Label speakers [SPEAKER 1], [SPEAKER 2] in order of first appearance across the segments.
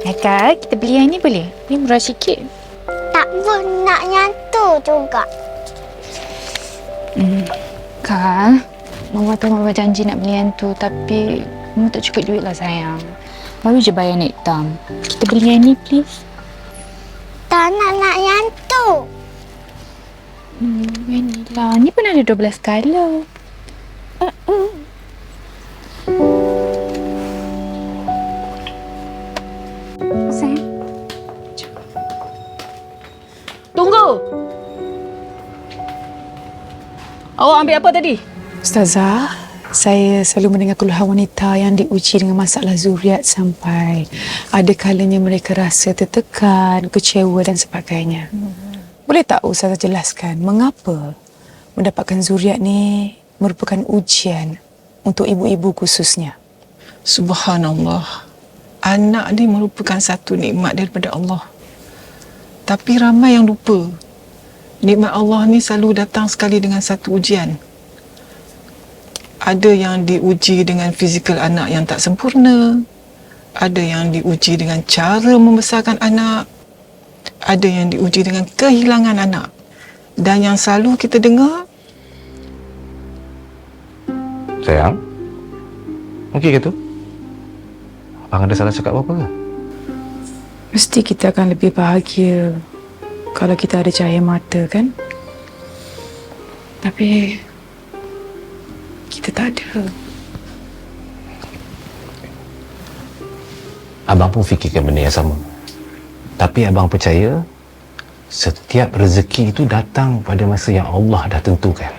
[SPEAKER 1] Eka, kita beli yang ni boleh? Ni murah sikit.
[SPEAKER 2] Tak pun nak yang tu juga.
[SPEAKER 1] Kak, Mama tu Mama janji nak beli yang tu tapi Mama tak cukup duit lah sayang. Baru je bayar naik tam. Kita beli yang ni please.
[SPEAKER 2] Tak nak yang tu.
[SPEAKER 1] Yang ni lah. Ni pun ada 12 color. Sayang.
[SPEAKER 3] Tunggu! Awak ambil apa tadi?
[SPEAKER 4] Ustazah, saya selalu mendengar keluhan wanita yang diuji dengan masalah zuriat sampai ada kalanya mereka rasa tertekan, kecewa dan sebagainya. Boleh tak Ustazah jelaskan mengapa mendapatkan zuriat ni merupakan ujian untuk ibu-ibu khususnya?
[SPEAKER 5] Subhanallah. Anak ni merupakan satu nikmat daripada Allah. Tapi ramai yang lupa. Nikmat Allah ni selalu datang sekali dengan satu ujian. Ada yang diuji dengan fizikal anak yang tak sempurna. Ada yang diuji dengan cara membesarkan anak. Ada yang diuji dengan kehilangan anak. Dan yang selalu kita dengar,
[SPEAKER 6] sayang, okey ke tu? Abang ada salah cakap apa-apa ke?
[SPEAKER 4] Mesti kita akan lebih bahagia kalau kita ada cahaya mata, kan? Tapi kita tak ada.
[SPEAKER 6] Abang pun fikirkan benda yang sama. Tapi abang percaya setiap rezeki itu datang pada masa yang Allah dah tentukan.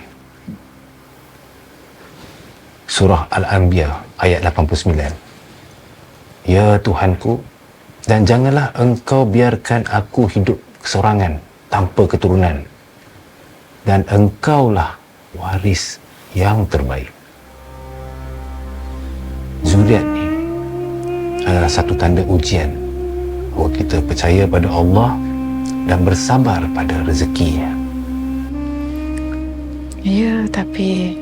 [SPEAKER 6] Surah Al-Anbiya ayat 89. Ya Tuhanku, dan janganlah engkau biarkan aku hidup kesorangan tanpa keturunan. Dan engkaulah waris yang terbaik. Zuriat ni adalah satu tanda ujian bahawa kita percaya pada Allah dan bersabar pada rezekinya.
[SPEAKER 4] Ya, tapi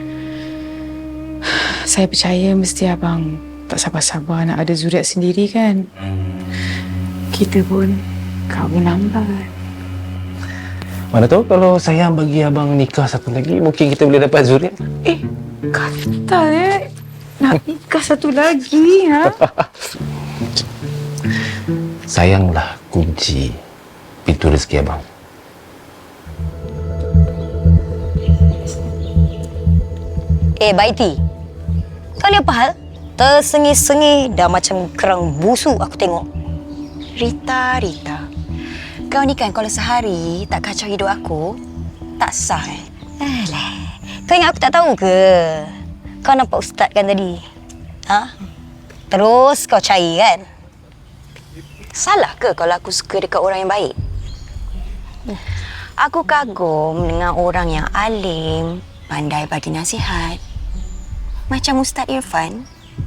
[SPEAKER 4] saya percaya mesti abang tak sabar-sabar nak ada zuriat sendiri, kan? Kita pun kahwin lambat.
[SPEAKER 6] Mana tahu kalau sayang bagi abang nikah satu lagi, mungkin kita boleh dapat zuriat.
[SPEAKER 4] Kata nak nikah satu lagi, ha?
[SPEAKER 6] Sayanglah kunci pintu rezeki abang.
[SPEAKER 7] Baiti, kau ni apa hal? Tersengih-sengih dah macam kerang busuk aku tengok. Rita, kau ni kan kalau sehari tak kacau hidup aku, tak sah Alah, kau ingat aku tak tahu ke? Kau nampak ustaz kan tadi? Ha? Terus kau cari kan? Salah ke kalau aku suka dekat orang yang baik? Aku kagum dengan orang yang alim, pandai bagi nasihat. Macam Ustaz Irfan.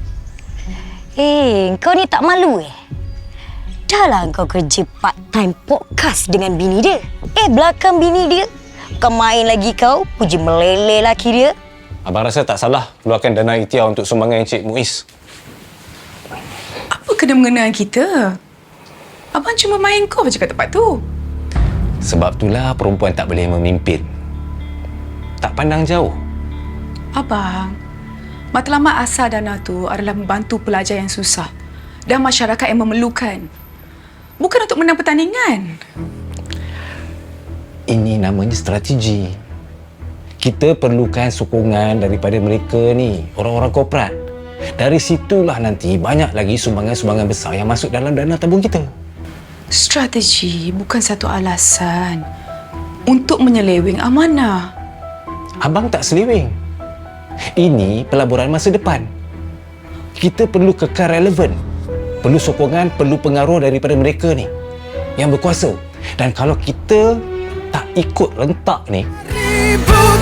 [SPEAKER 7] Kau ni tak malu Dah lah kau kerja part-time podcast dengan bini dia. Belakang bini dia, bukan main lagi kau, puji meleleh laki dia.
[SPEAKER 6] Abang rasa tak salah keluarkan dana ikhtiar untuk sumbangan Encik Muiz.
[SPEAKER 4] Apa kena mengenai kita? Abang cuma main kau je kat tempat tu.
[SPEAKER 6] Sebab itulah perempuan tak boleh memimpin. Tak pandang jauh.
[SPEAKER 4] Abang, matlamat asal dana tu adalah membantu pelajar yang susah dan masyarakat yang memerlukan. Bukan untuk menang pertandingan.
[SPEAKER 6] Ini namanya strategi. Kita perlukan sokongan daripada mereka ni, orang-orang korporat. Dari situlah nanti banyak lagi sumbangan-sumbangan besar yang masuk dalam dana tabung kita.
[SPEAKER 4] Strategi bukan satu alasan untuk menyeleweng amanah.
[SPEAKER 6] Abang tak seleweng. Ini pelaburan masa depan. Kita perlu kekal relevan. Perlu sokongan, perlu pengaruh daripada mereka ni yang berkuasa. Dan kalau kita tak ikut rentak ni,